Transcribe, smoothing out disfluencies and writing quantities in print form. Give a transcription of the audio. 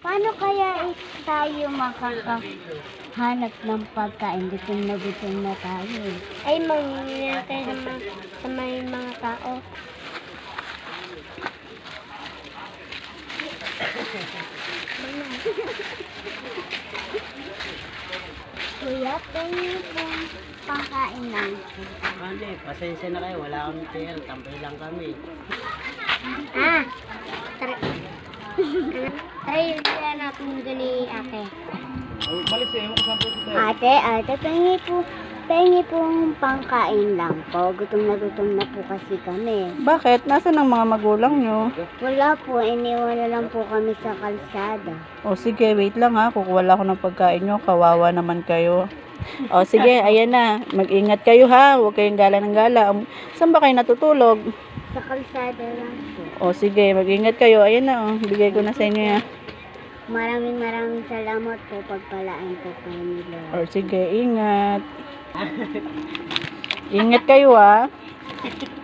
Paano kaya tayo makakahanap ng pagkain? Gutom na tayo. Ay, mangingi tayo sa may mga tao. Kuya, tingin po pangkain lang. Hindi, pasensya na kayo. Wala kami pera. Tambay lang kami. Try yan natin ni ate. Malis eh. Ewan ko saan po ito. Ate, pengi pong pangkain lang po. Gutom na po kasi kami. Bakit? Nasaan ang mga magulang nyo? Wala po, iniwan na lang po kami sa kalsada. O sige, wait lang ha. Kukuha lang ako ng pagkain nyo. Kawawa naman kayo. O sige, ayan na. Mag-ingat kayo ha. Huwag kayong gala ng gala. Saan ba kayo natutulog? Sa kalsada lang po. O sige, mag-ingat kayo. Ayan na o. Bigay ko na sa inyo ya. Maraming salamat po. Pagpalaan po kayo ni Lord. O sige, ingat. Ingat kayo ha.